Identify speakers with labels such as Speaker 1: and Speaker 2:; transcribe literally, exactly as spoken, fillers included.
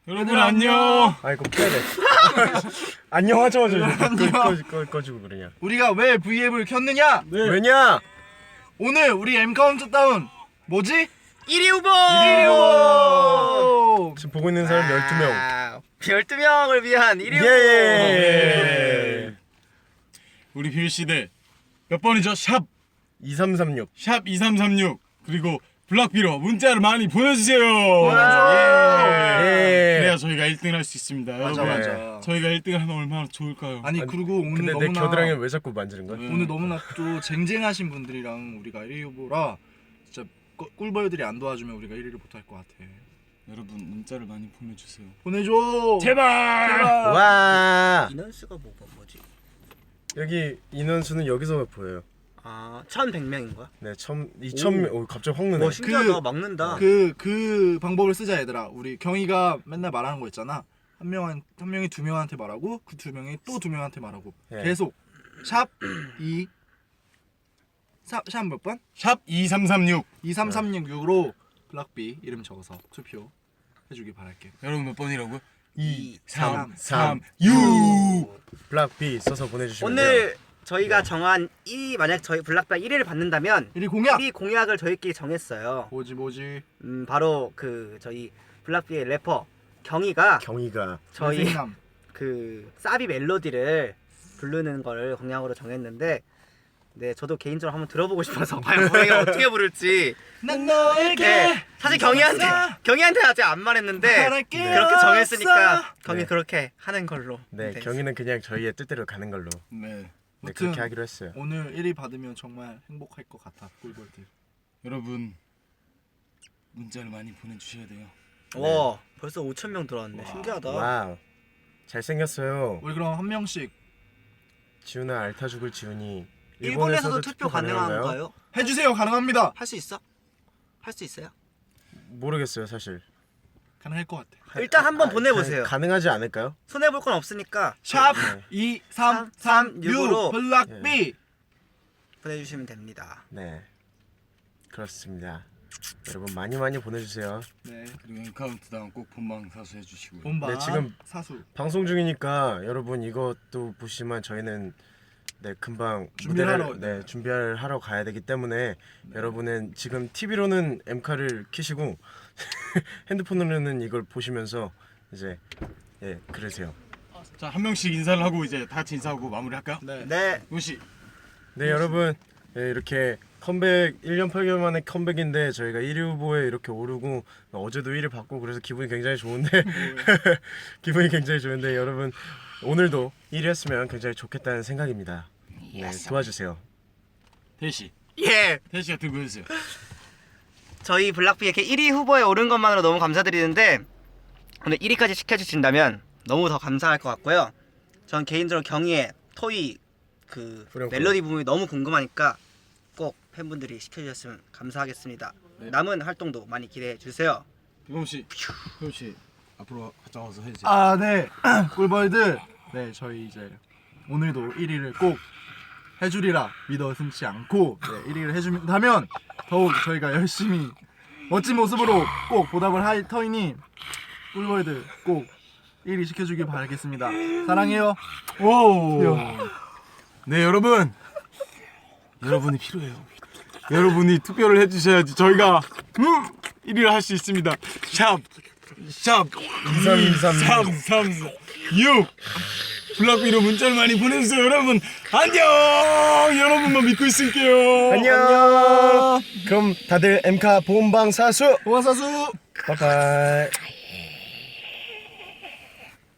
Speaker 1: 여러분 안녕.
Speaker 2: 아 이거 켜야 돼. 안녕 하자마자 꺼, 꺼, 꺼지고 그러냐.
Speaker 3: 우리가 왜 브이앱을 켰느냐?
Speaker 2: 네. 왜냐?
Speaker 3: 오늘 우리 M 카운트다운 뭐지?
Speaker 4: 일 위 후보!
Speaker 3: 일 위 후보!
Speaker 2: 지금 보고 있는 사람 열두 명.
Speaker 4: 아, 열두 명을 위한 일 위 후보!
Speaker 2: 예.
Speaker 1: 우리 빌시대 몇 번이죠? 샵
Speaker 2: 이삼삼육.
Speaker 1: 샵 이삼삼육 그리고 블락비로 문자를 많이 보내주세요.
Speaker 3: 보내줘.
Speaker 2: 예.
Speaker 1: 그래야 저희가 일 등을 할 수 있습니다.
Speaker 3: 맞아
Speaker 1: 여러분,
Speaker 3: 맞아.
Speaker 1: 저희가 일 등을 하면 얼마나 좋을까요?
Speaker 3: 아니 그리고 오늘
Speaker 2: 근데 내
Speaker 3: 너무나
Speaker 2: 겨드랑이 왜 자꾸 만지는 거야?
Speaker 1: 네.
Speaker 3: 오늘 너무나 또 쟁쟁하신 분들이랑 우리가 일 위 후보라 진짜 꿀- 꿀벌들이 안 도와주면 우리가 일 위를 못할 것 같아.
Speaker 1: 여러분 문자를 많이 보내주세요.
Speaker 3: 보내줘.
Speaker 1: 제발.
Speaker 3: 제발.
Speaker 2: 와.
Speaker 4: 인원수가 뭐가 뭐지?
Speaker 2: 여기 인원수는 여기서 보여요.
Speaker 4: 아, 천백 명인 거야?
Speaker 2: 네, 천 이천 명. 오, 갑자기 확 느네.
Speaker 4: 와, 신기하다.
Speaker 3: 그-
Speaker 4: 막는다.
Speaker 3: 그, 그 방법을 쓰자 얘들아. 우리 경희가 맨날 말하는 거 있잖아. 한 명한 한 명이 두 명한테 말하고 그 두 명이 또 두 명한테 말하고
Speaker 2: 네.
Speaker 3: 계속 샵 이 샵 몇 번?
Speaker 1: 샵 이삼삼육.
Speaker 3: 이삼삼육으로 블락비 이름 적어서 투표 해주길 바랄게.
Speaker 1: 여러분 몇 번이라고요?
Speaker 2: 이,
Speaker 3: 삼,
Speaker 2: 삼,
Speaker 1: 육.
Speaker 2: 블락비 써서 보내주시면 돼요.
Speaker 4: 오늘 저희가 정한 일 위, 만약 저희 블락비 일 위를 받는다면
Speaker 3: 일 위 공약.
Speaker 4: 일 위 공약을 저희끼리 정했어요.
Speaker 3: 뭐지 뭐지.
Speaker 4: 음, 바로 그 저희 블락비의 래퍼 경희가
Speaker 2: 경희가
Speaker 4: 저희
Speaker 3: 잘생남.
Speaker 4: 그 사비 멜로디를 부르는 걸 공약으로 정했는데, 네, 저도 개인적으로 한번 들어보고 싶어서 과연 경희가 어떻게 부를지.
Speaker 3: 난 너에게
Speaker 4: 네, 사실 경희한테
Speaker 3: 없어.
Speaker 4: 경희한테 아직 안 말했는데
Speaker 3: 말할 게
Speaker 4: 그렇게 정했으니까
Speaker 3: 없어.
Speaker 4: 경희
Speaker 2: 네.
Speaker 4: 그렇게 하는 걸로.
Speaker 2: 네, 경희는 그냥 저희의 뜻대로 가는 걸로.
Speaker 1: 네.
Speaker 2: 네,
Speaker 3: 아무튼
Speaker 2: 그렇게 하기로 했어요.
Speaker 3: 오늘 일 위 받으면 정말 행복할 것 같아 꿀벌들.
Speaker 1: 여러분 문자를 많이 보내주셔야 돼요.
Speaker 4: 와, 벌써 오천 명 들어왔네. 신기하다.
Speaker 2: 와우. 잘생겼어요.
Speaker 3: 우리 그럼 한 명씩
Speaker 2: 지훈아 알타 죽을 지훈이
Speaker 4: 일본에서도 투표 가능한가요?
Speaker 3: 해주세요. 가능합니다.
Speaker 4: 할 수 있어? 할 수 있어요?
Speaker 2: 모르겠어요 사실.
Speaker 3: 가능할 것 같아.
Speaker 4: 일단 한번
Speaker 2: 아,
Speaker 4: 보내보세요.
Speaker 2: 가, 가능하지 않을까요?
Speaker 4: 손해 볼 건 없으니까
Speaker 3: 샵
Speaker 2: 네.
Speaker 3: 이삼삼육 블락비.
Speaker 4: 보내주시면 됩니다.
Speaker 2: 네, 그렇습니다. 여러분 많이 많이 보내주세요.
Speaker 3: 네.
Speaker 1: 그리고 M 카운트다운 꼭 본방 사수 해주시고요.
Speaker 3: 본방
Speaker 2: 네, 지금
Speaker 3: 사수
Speaker 2: 방송 중이니까 여러분 이것도 보시지만 저희는 네 금방
Speaker 3: 준비하러
Speaker 2: 무대를 네 준비를 하러 가야 되기 때문에 여러분은 지금 티비로는 엠카를 켜시고 핸드폰으로는 이걸 보시면서 이제 예 그러세요.
Speaker 1: 자 한 명씩 인사를 하고 이제 다 같이 인사하고 마무리할까요?
Speaker 3: 네.
Speaker 4: 네,
Speaker 1: 용씨.
Speaker 2: 네 여러분 예, 이렇게 컴백 일 년 팔 개월 만에 컴백인데 저희가 일 위 후보에 이렇게 오르고 어제도 일 위 받고 그래서 기분이 굉장히 좋은데 기분이 굉장히 좋은데 여러분 오늘도 일 위 했으면 굉장히 좋겠다는 생각입니다. 네 도와주세요.
Speaker 1: 대시.
Speaker 4: 예,
Speaker 1: 대시가 들고 해주세요.
Speaker 4: 저희 블락비 이렇게 일 위 후보에 오른 것만으로 너무 감사드리는데 오늘 일 위까지 시켜주신다면 너무 더 감사할 것 같고요. 전 개인적으로 경희의 토이 그
Speaker 2: 후렴구.
Speaker 4: 멜로디 부분이 너무 궁금하니까 꼭 팬분들이 시켜주셨으면 감사하겠습니다.
Speaker 1: 네.
Speaker 4: 남은 활동도 많이 기대해 주세요.
Speaker 1: 비범씨. 비범씨 앞으로 가져와서 해주세요.
Speaker 3: 아, 네. 꿀벌들. 네, 저희 이제 오늘도 일 위를 꼭 해주리라 믿어 승치 않고 네, 일 위를 해준다면 더욱 저희가 열심히 멋진 모습으로 꼭 보답을 할 터이니 꿀벌들 꼭 일 위 시켜주길 바라겠습니다. 사랑해요.
Speaker 1: 오. 네 여러분. 여러분이 필요해요. 여러분이 투표를 해주셔야지 저희가 음, 일 위를 할 수 있습니다. 샵, 샵 이삼삼육 블락비로 문자를 많이 보내주세요. 여러분 안녕. 여러분만 믿고 있을게요.
Speaker 2: 안녕. 그럼 다들 엠카 본방 사수.
Speaker 3: 고마사수.
Speaker 2: 바이바이.